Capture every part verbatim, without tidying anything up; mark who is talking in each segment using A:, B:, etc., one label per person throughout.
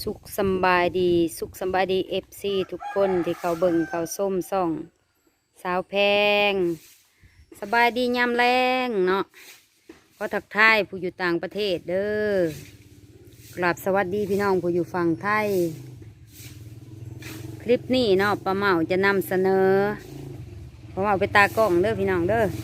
A: สุขสำบายดีสุขสำบายดีเอฟซีทุกคนที่เขาเบิ่งเขาส้มส่องสาวแพงสบายดียามแรงเนาะก็ทักทายผู้อยู่ต่างประเทศเด้อกราบสวัสดีพี่น้องผู้อยู่ฝั่งไทยคลิปนี้เนาะป้าเมาจะนำเสนอป้าเมาไปตากล้องเด้อพี่น้องเด้อ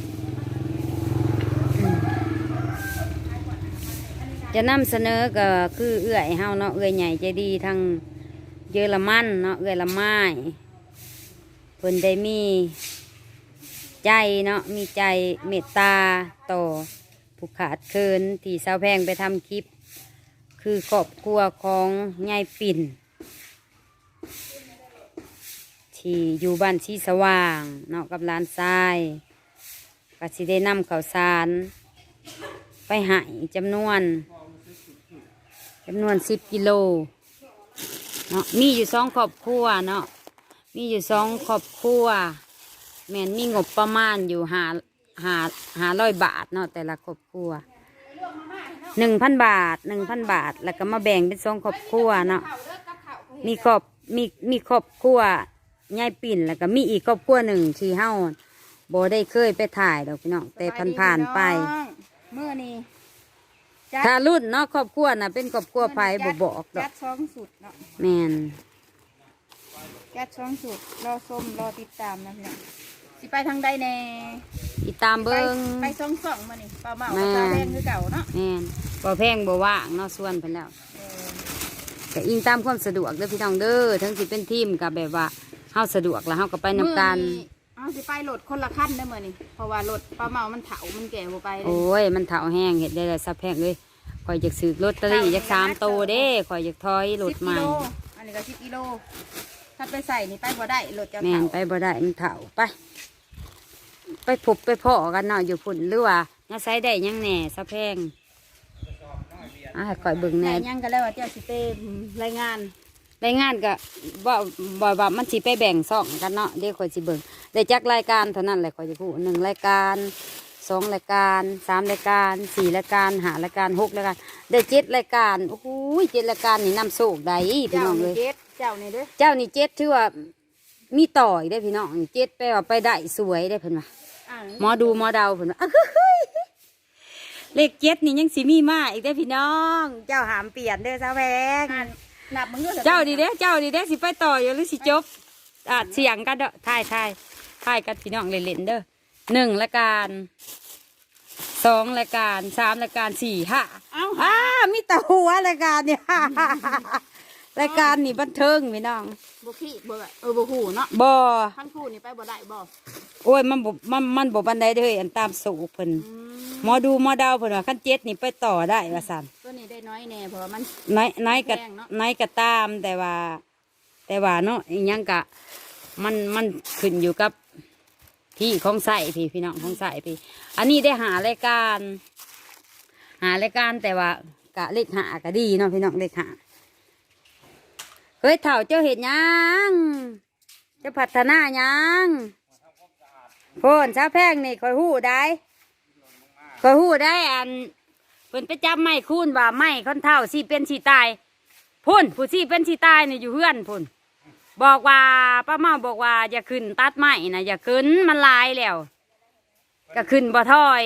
A: จะนำเสนอก็คือเอื้อยเฮาเนาะเอื้อยใหญ่ใจดีทางเยอรมันเนาะเอื้อยละไม้เพิ่นได้มีใจเนาะมีใจเมตตาต่อผู้ขาดเคินที่สาวแพงไปทำคลิปคือครอบครัวของยายปิ่นที่อยู่บ้านชีสว่างเนาะกับหลานชายก็สิได้นำข้าวสารไปให้จำนวนจำนวนสิบกิโลเนาะมีอยู่สองครอบครัวเนาะมีอยู่สองครอบครัวแม่นมีงบประมาณอยู่หาหาหาร้อยบาทเนาะแต่ละครอบครัวหนึ่งพันบาทหนึ่งพันบาทแล้วก็มาแบ่งเป็นสองครอบครัวเนาะมีครอบมีมีครอบครัวยายปิ่นแล้วก็มีอีกครอบครัวหนึ่งที่เฮาบ่ได้เคยไปถ่ายดอกพี่น้องแต่ผ่านผ่านไป
B: เมื่อนี้
A: ถ้ารุ่นเนาะครอบครัวน่ะเป็นครอบครัวไผ่บ่บอกดอ
B: จั
A: ก
B: ดช่องสุดเนาะ
A: แม่น
B: จัดช่องสุดรอส้มรอติดตามนะพี่น้องสิไปทางใดแน่
A: ติดตามเบิ่ง
B: ไปช่องสองมานี่ปลาเมาปลาแพงคือเก่าเนาะ
A: แม่นบ่แพงบ่ว่างเนาะส่วนเพิ่นแล้วก็อิงตามความสะดวกเด้อพี่น้องเด้อทั้งสิเป็นทีมก็แบบว่าเฮาสะดวกแล้วเฮาก็ไปนำกัน
B: เอาสิไปรถคนละขั้นได้มื้อนี้เพราะว่ารถปลาเมามันเฒ่ามันแก่บ่ไปเลย
A: โอ้ยมันเฒ่าแห้งเฮ็ดได้แล้วซับแพงเลยข่อยอยากซื้อลอตเตอรี่จักสามโตเด้ข่อยอยากถอยรถใหม่
B: อันนี้ก็สิบกิโลถ้าไปใส่นี่ไปบ่ได้รถจะเฒ่า
A: แม่นไปบ่ได้มันเฒ่าไปไปพบไปพ่อกันเนาะอยู่พุ่นหรือว่าน่าใช้ได้ยังแหน่ซับแพงอ่ะข่อยเบิ่งแหน่
B: ยังก็แล้วว่าเจ้าสิไปรายงาน
A: รายงานก็บ่บ่ว่ามันสิไปแบ่งซ่องกันเนาะเดี๋ยวข่อยสิเบิ่งได้จักรายการเท่านั้นแหละข่อยจะพูดหนึ่งรายการสองรายการสามรายการสี่รายการห้ารายการหกรายการได้เจ็ดรายการโอ้โหเจ็ดรายการนี่นำโชคได้พี่น้องเลย
B: เจ้านี่เด้อ
A: เจ้านี่เจ็ดถือว่ามีต่ออีกได้พี่น้องเจ็ดไปว่าไปได้สวยได้เพิ่นว่าหมอดูหมอเดาเพิ่นว่าเลขเจ็ดนี่ยังสิมีมาอีกได้พี่น้องเจ้าหามเปลี่ยนเด้อสาวแพง
B: นับมึง
A: เจ้าดีเด้เจ้าดีเด้สิไปต่ออยู่หรือสิจบอ่ะเสียงกันเด้อทายทายทายกันพี่น้องเล่นๆเด้อหนึ่งรายการสองรายการสามรายการสี่ห้าเอ้าอ่ามีแต่หัวรายการเนี่ยรายการนี่บันเทิงพี่น้อง
B: บ่ขี้บ่เออบ่หูเนาะ
A: บ่
B: ทั้งคู่นี่ไปบ่ได้บ่
A: โอ้ยมันบ่มันมันบ่บันไดเด้ออันตามสูเพิ่นหมอดูหมอดาวเพิ่นว่าคันเจ็ดนี่ไปต่อได้ว่าซั่น
B: ตัวนี้ได้น้อยแน่เพราะว่ามัน
A: น้อยน้อยก็น้อยก็ตามแต่ว่าแต่ว่าเนาะอีหยังก็มันมันขึ้นอยู่กับที่ของใส่พี่พี่น้องของใส่พี่อันนี้ได้หารายการหารายการแต่ว่ากะเลขหาก็ดีเนาะพี่น้องเลขหาเฮ้ยเถ่าเจ้าเห็ดยังจะพัฒนายังโพนชาวแพงนี่คอยหู้ได้คอยหู้ได้อันเพิ่นไปจับไม้คูนว่าไม้คนเท่าสีเป็นสีตายพุ่นผู้สีเป็นสีตายนี่อยู่เฮือนพุ่นบอกว่าป้าเมาบอกว่าอย่าขึ้นตัดไม้นะอย่าขึ้นมันลายแล้วก็ขึ้นบ่ถอย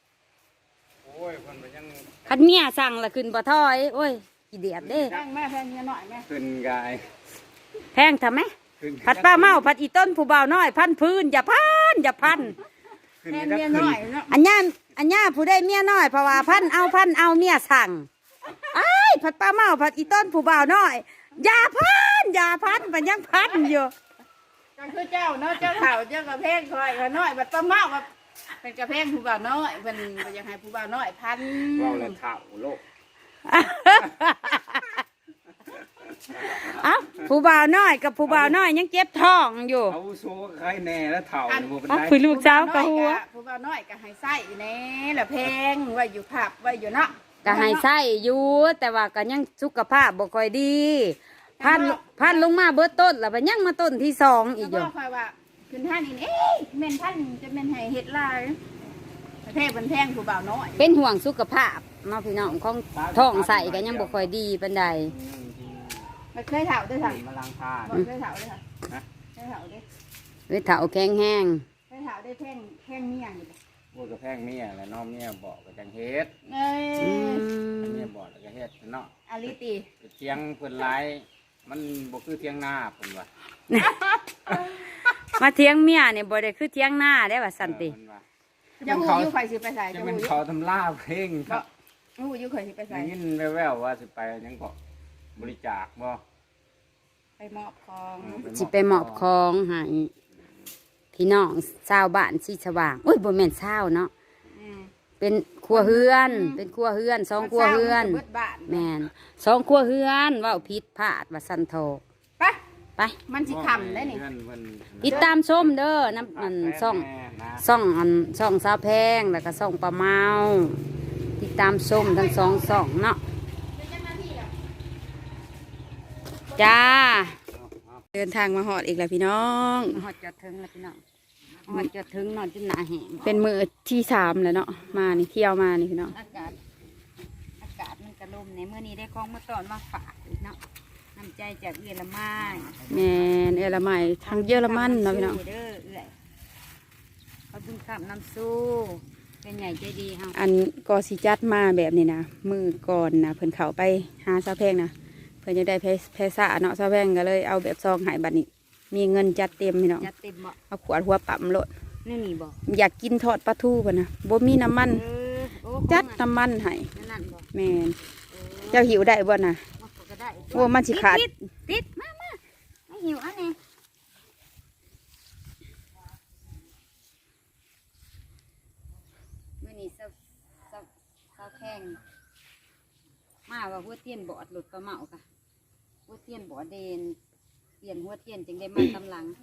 A: คันเมียสั่งละขึ้นบ่ถอยโอ้ยกี่เดียดเด้
B: แพงแม่แพงเงี้ยหน่อยแม่
C: ขึ้นกาย
A: แพงทำไหมผัดป้าเมาผัดอีต้นผู้บ่าวน้อยพันพื้นอย่าพันอย่าพัน
B: แพงเมียน้อยเนาะ
A: อันย่าอันย่าผู้ได้เมียน้อยเพราะว่าพันเอาพันเอาเมียสั่งไอ้ผัดป้าเมาผัดอีต้นผู้บ่าวน้อยอย่าพันอย่าพันมันยังพันอยู่
B: ก็คือเจ้าเนาะเจ้าเฒ่าเจ้ากระเพงคอยกระน้อยบัดป้าเมาแบบเป็นกระเพงผู้บ่าวน้อยเป็นอยากให้ผู้บ่าวน้อยพัน
C: เราเลยเฒ่าโลก
A: เอ้าผู้บ่าวน้อยกับผู้บ่าวน้อยยังเจ็บท้องอยู่
C: เอาโซ่ใครแน่แล้วเฒ่า
A: คุยลูกเจ้ากับหัว
B: ผู้บ่าวน้อยก็ให้ไส้แน่ละเพงไว้อยู่ผับไว้อยู่เนาะ
A: ก็ให้ไส้อยู่แต่ว่าก็ยังสุขภาพบ่ค่อยดีพันพันลงมาเบิดต้นแล้วไปยังมาต้นที่สองอีกอยู่
B: คอยว่าขึ้นท่านนี่เอ๊ะเม่นท่านจะเป็นให้เฮ็ดลายประเทศเป็นแพงผู้บ่าวน้อย
A: เป็นห่วงสุขภาพเนาะพี่น้องของท้องใส่ก็ยังบ่ค่อยดีปานใด
B: มันเคยเถาด้วยค่ะ
C: มาล้างทาน
B: บอกเคยเถาด้วยค่ะ
C: นะ
B: เคยเถาด้วย
A: เอ้ยเถาแข็งแห้ง
B: เคยเถาด้วยแท่งแท่งเมี่ยงอยู่เลย
C: พูดกับแพงเมียแล้วน้องเมียบอกกับจังเฮ็ด
B: เอ้ย
A: อืม
C: เมียบอกแล้วก็เฮ็ดเนาะ
B: อาลิตี
C: เทียงเพิ่นหลายมันบ่คือเทียงหน้าเพิ่นว่า
A: มาเทียงเมียเนี่ยบ่ได้คือเทียงหน้าได้ว่าสันติ
C: เพิ่นว่า
B: จะหูอยู่ข่อยสิไปใส่
C: จะ
B: จะ
C: เป็
B: หู
C: น
B: อยู่
C: เขาทำล่าเพลงครับ
B: หูอยู่ข่อยสิไปใส่
C: ได้ยินแว่วๆว่าสิไปหยังก็บริจาคบ่
B: ไปมอบของ
A: สิไปมอบของให้พี่น้องชาวบ้านสีสว่างอุ้ยบ่แม่นชาวเนาะ
B: อืม
A: เป็นครัวเฮือน เป็นครัวเฮือนสองครัวเฮือน
B: เบิดบ้าน
A: แม่นสองครัวเฮือนเว้าผิดพลาดว่าสันโท
B: ไป
A: ไป
B: มันสิคำได้นี่
C: เพิ่นเพิ่น
A: ติดตามชมเด้อน้ำอันซ่อง
C: แม่นะ
A: ซ่องอันซ่องสาวแพงแล้วก็ซ่องปลาเมาติดตามชมทั้งสองซ่องเนาะจ้า
B: เดินทางมาหอดอีกแล้วพี่น้อง
A: หอดจอดถึงแล้วพี่น้องหอดจอดถึงนอนจนหนาแห้ง
B: เป็นมือที่สามแล้วเนาะมานี่เที่ยวมานี่พี่น้อง
A: อากาศอากาศมันกระลมในเมื่อนี้ได้ของมาตอนมาฝากอีกเนาะน้ำใจจากเยอรมัน
B: แมนเอรมัยทางเยอรมันเนาะพี่น้อง
A: เด้อเอื้อยขอบคุณครับน้ำสู้เป็นใหญ่ใจดีเฮา
B: อันกอสิจัดมาแบบนี้นะมือก่อนนะเพิ่นเขาไปหาซาแพงนะเพิ่นจะได้เพเพซ่าเนาะซาแพงก็เลยเอาแบบซองใหายบัดนี้ มีเงินจัดเต็มพี่น้อง
A: จัดเต็มบ่
B: เอาขวดหัวปั๊มโลด
A: นี่นี่บ่
B: อยากกินทอดปลาทูเพิ่นนะบ่มีน้ำมัน
A: เออโอ้
B: จัดน้ำมันให้
A: นั่นนั่นบ่
B: แมนเจ้าหิวได้บ่น่ะ
A: มาก็ได้
B: โอ้มันสิขาด
A: ติดติดมามาไม่หิวอันนี้มื่อนี้เศร้าเศร้าเศร้าแข้งมาว่าหัวเตียนบอดหลุดปลาเมาค่ะหัวเตียนบอดเดนเปลี่ยนหัวเตียนจึงได้มาตำหลัง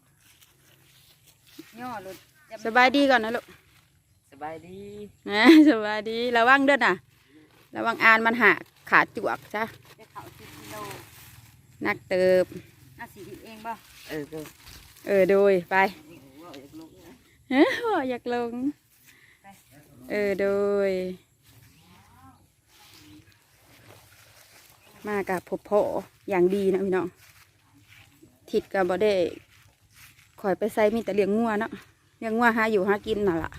A: ย่อหลุดจะ
B: สบายดีก่อนนะลูก
C: สบายดี
B: นะสบายดีระวังเด้อน่ะระวังอานมันหักขาจวกจ้ะ
A: จะเขาสิบกิโล
B: นักเติบ
A: น่าสิบเองบ่เออก็
B: เออโดยไปเฮ้ยอยากลงเออโดยมากับพบพ่ออย่างดีนะพี่น้องทิดกับบ่ได้คอยไปใส่มีแต่เลี้ยงงัวเนาะเลี้ยงงัวหาอยู่หากินน่ะล่ะ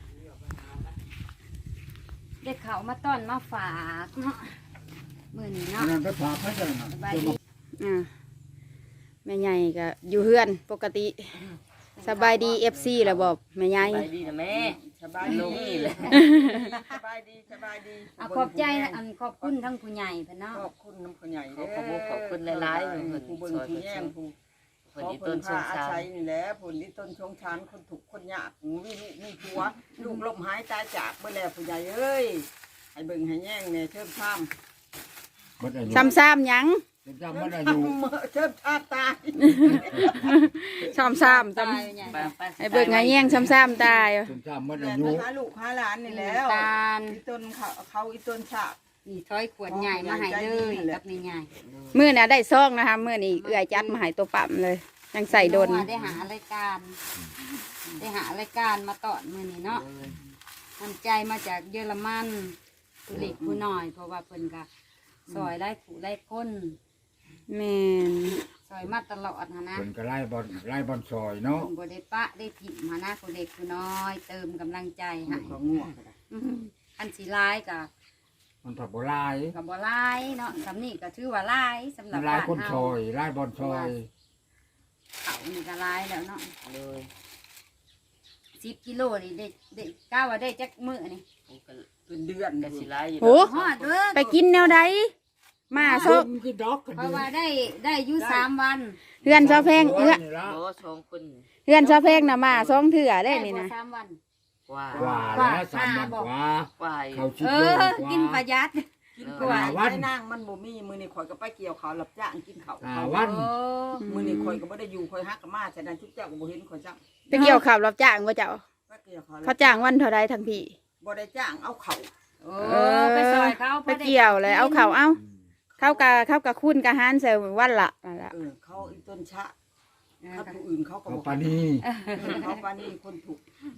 A: ได้เขามาต้อนมาฝากเนาะมื่อนี้เนาะ
D: นั่นไปฝากให้กันนะ
A: สบายดี
B: อ่าแม่ใหญ่ก็อยู่เฮือนปกติสบายดีเอฟซีแล้วบอกแม่ใหญ่
E: สบายดีนะแม่สบายดีเลยสบายดีสบายดี
A: เอาขอบใจอันขอบคุณทั้งผู้ใหญ่เพิ่นเนาะ
E: ขอบคุณน้ำคนใหญ่ขอบคุณขอบคุณหลายๆ
D: ผู้เบิ่งผู้แย่งผู้
E: คน
D: ขอ
E: ที่
D: เพิ่
E: ต้
D: น
E: นส
D: พาง อา
E: สาร
D: ศัยนี่แหละผู้ที่ต้นชงชานคนถูกข์คนยากมีลูกมีผัวลูกลมหายตายจากเมื่อแล้วผู้ใหญ่เอ้ยให้เบิ่งให้แย่งเนี่ยเชิมช้ำ
B: ซ้ำๆหยัง
D: จำไม่ได้อยู่เชิมชาตาย
B: ซ้ำซ้ำซ้
A: ตายใหญ่
B: ำไอ้เบิกไงแย่งซ้ำซ้ำตาย
D: จำจำไม่ได้
F: แต่
D: อยู่
F: หาลูกหาหลานนี่แล้ว
A: ตาล
F: อีต้นเขาเขาอีต้นฉาก
A: นี่ถ้อยขวดใหญ่มาให้เลยกับนี่ใหญ่
B: มื่อน่ะได้ซองนะคะมื่อนี้เอื้อยจัดมาให้ตัวปั๊มเลยยังใส่โดน
A: ได้หารายการ ได้หารายการมาตอนมื้อนี้เนาะน้ำใจมาจากเยอรมันผู้เล็กผู้น้อย เพราะว่าเพิ่นก็ซอยไล่ผู้ไล่คน
B: แม่น
A: ซอยมาตลอดหั้นนะ
D: เป็นก็ไล่บอลไล่บอลซอยเนาะ
A: เพิ่นบ่ได้ปะได้ถิ่มหั้นนะผู้เล็กผู้น้อย เติมกำลังใจให้
D: ของง่วง
A: อืออันสิร้ายก็
D: มันถับบ่ลาย
A: ก็บ่ร้ายเนาะสำนี้ก็ถือว่าร้ายสำหรั
D: มั
A: บ
D: นลาย
A: บ้าน
D: คน
A: เฮา
D: ซอยไล่บอลซอย
A: เขานี่ก็ร้ายแล้วเนาะ
E: เลย
A: สิบกิโลนี่ได้ได้ก้าวว่าได้จักมื้อนี่
D: เป็นเดือน
E: กสิไลอยู่
B: โอ้
A: ฮอดเด้อ
B: ไปกินแนวใดมาซอก
D: กินดอกกัน
A: เพราะว่าได้ได้อยู่สามวัน
B: เฮือนซอแพงเอื้อ
E: โอ้สองคน
B: เฮือนซอแพงน่ะมาซองเถื่อได้นี่
A: บ่
B: นะ
A: สามวัน
E: กว่า
D: กว่าแล้วสามวันกว่า
E: ว่า
D: เขาชิด
A: เอ
D: โล
A: อ
D: กว่า
A: กินประหยัด
F: กิน
D: กว่า
F: ไว้นั่งมันบ่มีมือนี่ข่อยก็ไปเกี่ยวเขาวรับจ้างกินเขาว
D: อ่า
F: เขา
D: วัน
A: โอ้
F: มือนี่ข่อยก็บ่ได้อยู่ข่อยฮักกับมาฉะนั้นทุกเจ้าก็บ่เห็นข่อยจ้าง
B: ไปเกี่ยวข่าวรับจ้างว่าเจ้า
F: ไปเกี่ยวเขาว
B: เขาจ้างวันเท่าไรทั้งพี่
F: บ่ได้จ้างเอาเขา
A: โอ้ไปซอยเขา
B: ไปเกี่ยวเลยเอาเขาเอาเข้ากะเข้ากะคุ้นกะฮันใส่วันละนั่นละ
F: เออเขาอีต้นชะ
A: เออ
F: เขาผู้อื่นเขาก็
D: เขา
F: บ่
D: ปานี
F: เออเขาปานนี้คนถูก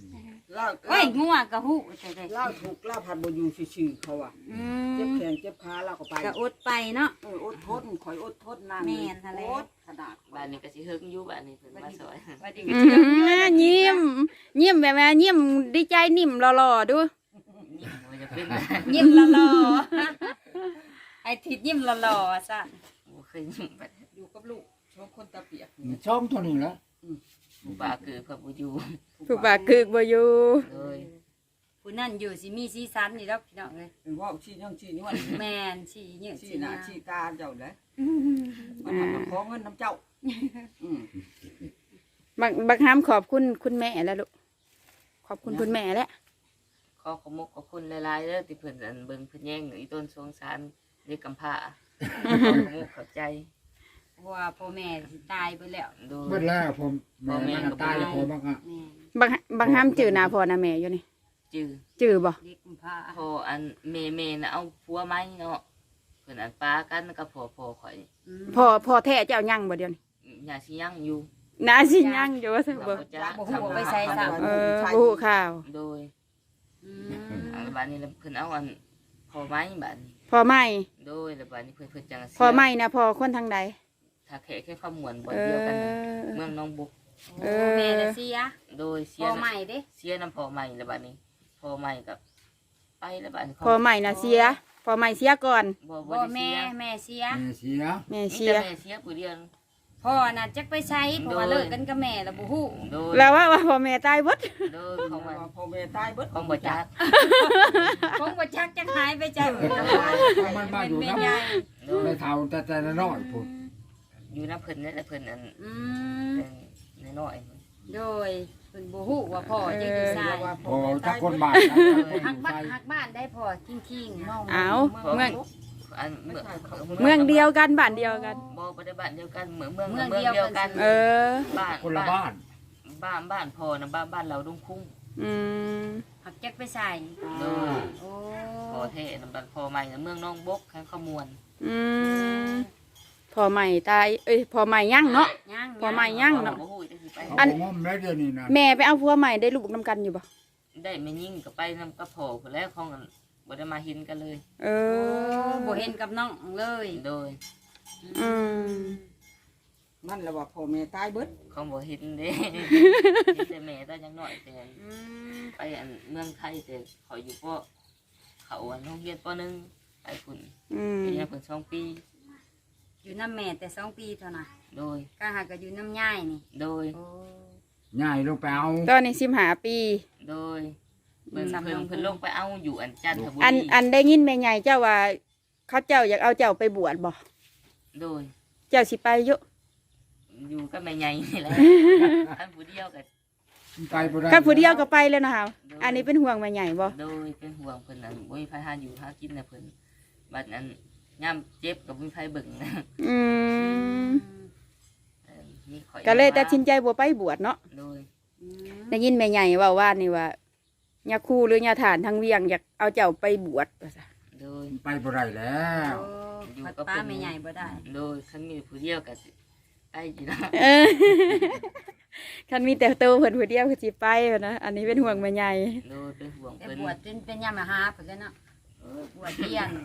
D: เล่า
A: โอ้ยงัวกะฮู้แต่แต่
D: เล่าถูกเล่าผัดบ่อยู่ซื่อๆเขาอ่ะ
A: อื
D: เจ็บ
A: ม
D: แขนเจ็บขาเราก็ไป
A: กะอดไปเนาะ
D: เอออดทนข่อยอดทนนาน
A: แม่นหั่นแหละ
D: อดขนาด
E: บ้านนี้ก็สิเฮิงอยู่บ้านนี้เพิ่นมาซอย
A: ว่าดี
B: อืมยิ้มยิ้มแบบว่ายิ้มดีใจนิ่มหล่อๆดู
E: ยิ้มมันจะเป็น
A: ยิ้มหล่อๆไอ้ทิดยิ้มหล่อๆซะ
E: บ่เคยยิ้มไป
D: อยู่กับลูกชอบคนตาเปียก
C: ช่องเท่านี้แล้ว
E: ผู้บ่าคือเพิ่นบ่อยู่
B: ผู้ปากคือบ่อยู่
E: เลย
A: ผู้นั่นอยู่สิมีสีสันนี่ดอกพี่น้องเอ้ย
D: เป็นว่าชี้ยังชี้นี่มัน
A: แม่นสิเยอะ
D: ชี้
A: สิ
D: หน้า
A: นะ
D: ชี้ตาเจ้าเลยมันทำมาขอเงินน้ำเจ้าอืม
B: บางบางคำขอบคุณคุณแม่แล้วลูกขอบคุณคุณแม่แล้ว
E: ขอขอบมกขอบคุณหลายๆเด้อที่เพิ่นอันเบิ่งเพิ่นแย่งอีต้นสงสารเด็กกำพร้าขอขอบมกขอบใจ
A: เพราะว่าพ่อแม่สิตายไปแล้ว
E: โดย
C: เบิดแล้วผมแม่มันตายแล้วผมบ้างอ่ะ
A: แม่น
B: บางบางคำจือหนาพ่อหนาแม่อยู่นี่
E: จื้อ
B: จือบ่
A: เด็กกุมภา
E: พออันเมเมน่ะเอาผัวไหมเนาะเพิ่นอันป้ากันกับพ่อพ่อข่อย
A: อืม
B: พ่อพ่อแท้เจ้ายังบ่เดียวนี้
E: อย่าสิยังอยู่
B: นาสิยังอยู่ว่าซะบ่
E: บ่จ้า
D: บ่ฮู้ว่าไปใส่ซะ
B: เออบ่ฮู้ข่าว
E: โดย
A: อื
E: อัน
A: ม
E: บัดนี้แล้วเพิ่นเอาอันพ่อไหมบัดนี้
B: พ่อใหม่
E: โดยแล้วบัดนี้เพิ่นเพิ่นจังเสีย
B: พ่อใหม่นะพ่อคนทางใด
E: ถ้าแค่แค่ความหมวนบ่
B: เอ
E: เดียว
B: อ
E: กันเมืองหน้องบุก
A: โอ้แม่น่ะเสีย
E: โดยเสี
A: พ่
E: ย
A: อใหม่เด้
E: เสียน้ำพ่อใหม่แล้วบัดนี้พ่อใหม่กับไปแล้วบัดนี้
B: พ่อใหม่น่ะเสียพ่อใหม่เสียก่อน
E: บ่บ่
A: พ่อ
E: ได้
A: แม่
E: เสีย
A: แม่เสีย
C: แม่เสีย
B: แม่
E: มี
B: เสี
E: แต่
B: ย
E: แม่เสียผู้เดียว
A: พ่อน่ะจักไปใช้เพราะว่าเลิกกันกับแม่แล้วบ่ฮู้
E: โดย
B: แล้วว่าว่าพ่อแม่ตายเบิด
E: โดยของมัน
D: พ่อแม่ตายเบิด
E: ของบ่จัก
A: คงบ่จักจักหายไปจาก
C: มันมาอยู่
A: แม่
C: น้ำ
A: ใหญ่
E: โดย
C: ไม่เท่าแต่แต่น้อยผม
E: อยู่น้ำเพิ่นนี่แหละเพิ่นอัน
A: อืม
E: เป็นน้อยๆ
A: โดยเพิ่นบ่ฮู้ว่าพ่อจักอยู่ไส
C: โอ้ถ้าคนบ้าน
A: หักบ้านหักบ้านได้พ่อทิ้งๆเนาะ
B: เอาเมือง
E: อันเมือง
B: เมืองเดียวกันบ้านเดียวกัน
E: บ่บ่ได้บ้านเดียวกันเมืองเมือง
A: เมือง
E: เมือง
A: เดี
E: เดี
A: ย
E: ยว ว
A: กั
E: กัน น
B: เออ
E: บ้าน
C: คนละบ้าน
E: บ้านบ้านพ่อนะบ้านบ้านเราดุงคุ้ง
B: อืม
A: หักจักไปใส่
E: โดย
A: โอ้
E: พ่อเทนะบ้านพ่อใหม่นะเมืองน้องบกข้างขมวน
B: อืมพ่อใหม่ตายเอ้ยพ่อใหม่ยั่งเนาะ
A: ยัง
B: พ่อใหม่ยังเนาะ
E: บ่ฮู้จักสิไป
C: อันงอมแล้วเดี๋ยวนี้นะ
B: แม่ไปเอาผัวใหม่ได้ลูกนํกันอยู่บ่
E: ได้ไม่ยิ่งก็ไปนำกับพ่อพุ่นแล้วของกันบ่ได้มาเห็นกันเลย
B: เอ
A: โอ้
B: อ
A: บ่เห็นกับน้องเลย
E: โดย
B: อืม
D: มันแล้วว่าพ่อแม่ตายเบิด
E: เขาบ่เห็นเด้เห็นแต่แม่ตายังน้อยแต่
A: อืม
E: ไปอันเมืองไทยแต่เขาอยู่ปเขาอันโรงเรียนปหนึ่งไปพุ่น
B: อืม
E: ไปเรียนพุ่นสองปี
A: อยู่น้ำแม่แต่สองปีเท่านั้น
E: โดย
A: ก็หากก็อยู่น้ำย่ายนี่
E: โดย
A: โอ้
C: ง่ายลงไปเอา
B: ตอนนี้สิบห้าปี
E: โดยเพิ่นเพิ่นเพิ่นลงไปเอาอยู่อันจันทบุ
B: อัน
E: รี
B: อันได้ยินแม่ใหญ่เจ้าว่า เขาเจ้าอยากเอาเจ้าไปบวชบ่
E: โดย
B: เจ้าสิไปอยู่
E: อยู่กับแม่ใหญ่นี่แหละท่านผู้เดียวกับ
C: ไปบ่ได้
B: ข้าผู้เดียวก็ไปแล้วนะคะอันนี้เป็นห่วงแม่ใหญ่บ่
E: โดยเป็นห่วงเพิ่นอันบ่มีไผหาอยู่หากินนะเพิ่นบัดนั้นยามเจ็บก็บ่มีไผเบิ่งนะ
B: อืม
E: เออมีข่อย
B: ก็เลยตัดสินใจบ่ไปบวชเนาะ
E: โดย
A: อืม
B: ได้ยินแม่ใหญ่เว่าว่านี่ว่าญาคู่หรือญาฐานทางเวียงอยากเอาเจ้าไปบวชว่าซะ
E: โดย
C: ไปบ่ได้แล้ว
A: โอ้พัดป้าไม่ใหญ่บ่ได้
E: โดยคันมีผู้เดียวก็สิได้อยู่นะ
B: เออ คันมีแต่โตวเพิ่นผู้เดียวคือสิไปหั้นนะอันนี้เป็นห่วงแม่ใหญ่
E: โดยเป็นห่วง
A: แต่
E: เพิ่น
A: บวชจนเป็นยามหาเพิ่นแล้วเนาะเออบวชเรียน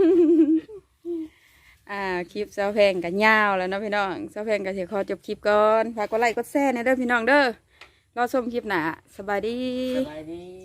B: อ่าคลิปเสาแพงกันยาวแล้วเนาะพี่น้องเสาแพงก็สิขอจบคลิปก่อนฝากกดไลค์กดแชร์ในเด้อพี่น้องเด้อรอชมคลิปหน้าสบายดี
E: สบายดี